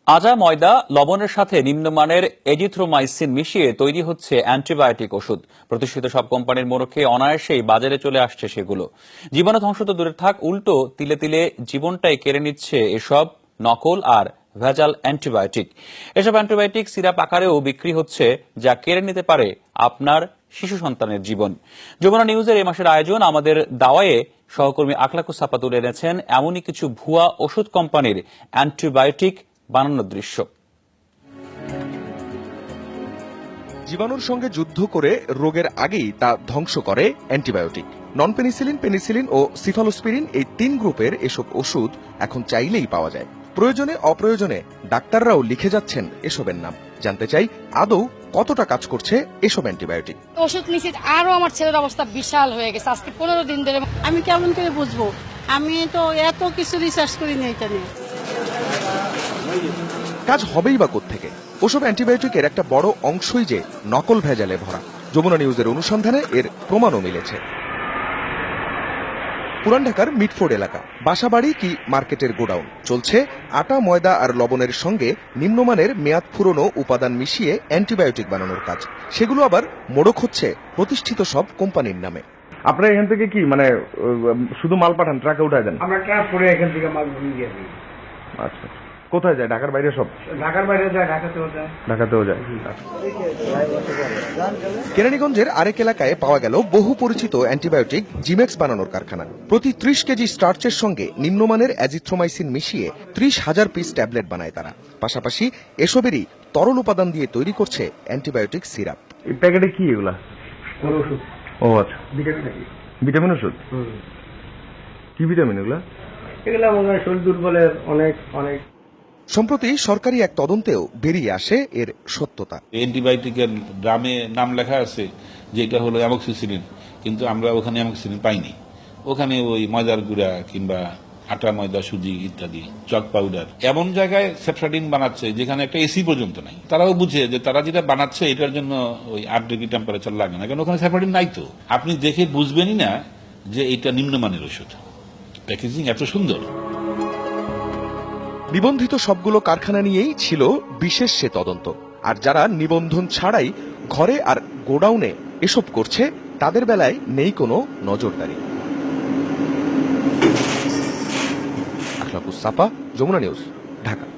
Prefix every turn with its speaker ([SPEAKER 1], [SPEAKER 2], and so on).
[SPEAKER 1] আজা ময়দা লবণের সাথে নিম্নমানের এজিথ্রোমাইসিন মিশিয়ে তৈরি হচ্ছে অ্যান্টিবায়োটিক ওষুধ। প্রতিষ্ঠিত সব কোম্পানির মোড়কে অনায়াসেই বাজারে চলে আসছে সেগুলো। জীবাণু ধ্বংস তো দূরে থাক, উল্টো তিলে তিলে জীবনটাই কেড়ে নিচ্ছে এসব নকল আর ভেজাল অ্যান্টিবায়োটিক। এসব অ্যান্টিবায়োটিক সিরাপ আকারেও বিক্রি হচ্ছে, যা কেড়ে নিতে পারে আপনার শিশু সন্তানের জীবন। যমুনা নিউজের এই মাসের আয়োজন আমাদের দাওয়ায়ে সহকর্মী আখলাকুস সাপা তুলে এনেছেন এমনই কিছু ভুয়া ওষুধ কোম্পানির অ্যান্টিবায়োটিক বানানোর দৃশ্য।
[SPEAKER 2] জীবাণুর সঙ্গে যুদ্ধ করে রোগের আগেই তা ধ্বংস করে অ্যান্টিবায়োটিক। নন পেনিসিলিন, পেনিসিলিন ও সিফালোস্পিরিন এই 3 গ্রুপের এসব ওষুধ এখন চাইলেই পাওয়া যায়। প্রয়োজনে অপ্রয়োজনে ডাক্তাররাও লিখে যাচ্ছেন এসবের নাম। জানতে চাই আদৌ কতটা কাজ করছে এসব অ্যান্টিবায়োটিক।
[SPEAKER 3] ওষুধ নিচে আরো আমার ছেলের অবস্থা বিশাল হয়ে গেছে। আজকে 15 দিন ধরে
[SPEAKER 4] আমি কেমন করে বুঝবো? আমি তো এত কিছু রিসার্চ করিনি এটা নিয়ে।
[SPEAKER 2] কাজ হবেই বা কোত্থেকে? ওসব অ্যান্টিবায়োটিকের একটা বড় অংশই যে নকল ভেজালে ভরা। যমুনা নিউজের অনুসন্ধানে এর প্রমাণও মিলেছে। পুরান ঢাকার মিটফোর্ড এলাকা, বাসাবাড়ি কি মার্কেটের গোডাউন, চলছে আটা, ময়দা আর লবণের সঙ্গে নিম্নমানের মেয়াদ ফুরনো উপাদান মিশিয়ে অ্যান্টিবায়োটিক বানানোর কাজ। সেগুলো আবার মোড়ক হচ্ছে প্রতিষ্ঠিত সব কোম্পানির নামে।
[SPEAKER 5] আপনারা এখান থেকে কি মানে শুধু মাল পাঠান, ট্রাকে উঠায় দেন?
[SPEAKER 6] আমরা ট্রান্সপোর্টে এখান থেকে মাল নিয়ে দিই।
[SPEAKER 5] আচ্ছা, কোথায় যায়? ঢাকার বাইরে সব?
[SPEAKER 6] ঢাকার বাইরে যায়, ঢাকাতেও যায়।
[SPEAKER 5] ঢাকাতেও যায়।
[SPEAKER 2] কেরানীগঞ্জের আরেক এলাকায় পাওয়া গেল বহু পরিচিত অ্যান্টিবায়োটিক জিমেক্স বানানোর কারখানা। প্রতি 30 কেজি স্টার্চের সঙ্গে নিম্নমানের অ্যাজিথ্রোমাইসিন মিশিয়ে 30,000 পিস ট্যাবলেট বানায় তারা। পাশাপাশি এসবেরই তরল উপাদান দিয়ে তৈরি করছে অ্যান্টিবায়োটিক সিরাপ।
[SPEAKER 5] এই প্যাকেটে কি এগুলা?
[SPEAKER 6] ওষুধ।
[SPEAKER 5] ও আচ্ছা,
[SPEAKER 6] ভিটামিন নাকি?
[SPEAKER 5] ভিটামিন ওষুধ। কি ভিটামিন এগুলা?
[SPEAKER 6] এগুলো আমাদের শরীর দুর্বলের অনেক অনেক।
[SPEAKER 2] সম্প্রতি সরকারি এক তদন্তেও বেরিয়ে আসে এর সত্যতা।
[SPEAKER 7] অ্যান্টিবায়োটিকের ড্রামে নাম লেখা আছে যে এটা হলো অ্যামক্সিসিলিন, কিন্তু আমরা ওখানে অ্যামক্সিসিলিন পাইনি। ওখানে ওই ময়দার গুঁড়া কিংবা আটা, ময়দা, সুজি ইত্যাদি, চক পাউডার, এমন জায়গায় সেফট্রাডিন বানাচ্ছে যেখানে একটা এসি পর্যন্ত নাই। তারাও বুঝে যে তারা যেটা বানাচ্ছে এটার জন্য ওই 8 ডিগ্রি টেম্পারেচার লাগে না, কারণ ওখানে সেফট্রাডিন নাই। তো আপনি দেখে বুঝবেনই না যে এটা নিম্নমানের ওষুধ। প্যাকেজিং এত সুন্দর।
[SPEAKER 2] নিবন্ধিত সবগুলো কারখানা নিয়েই ছিল বিশেষ সে তদন্ত। আর যারা নিবন্ধন ছাড়াই ঘরে আর গোডাউনে এসব করছে, তাদের বেলায় নেই কোনো নজরদারি। আখলাকুস সাপা, যমুনা নিউজ, ঢাকা।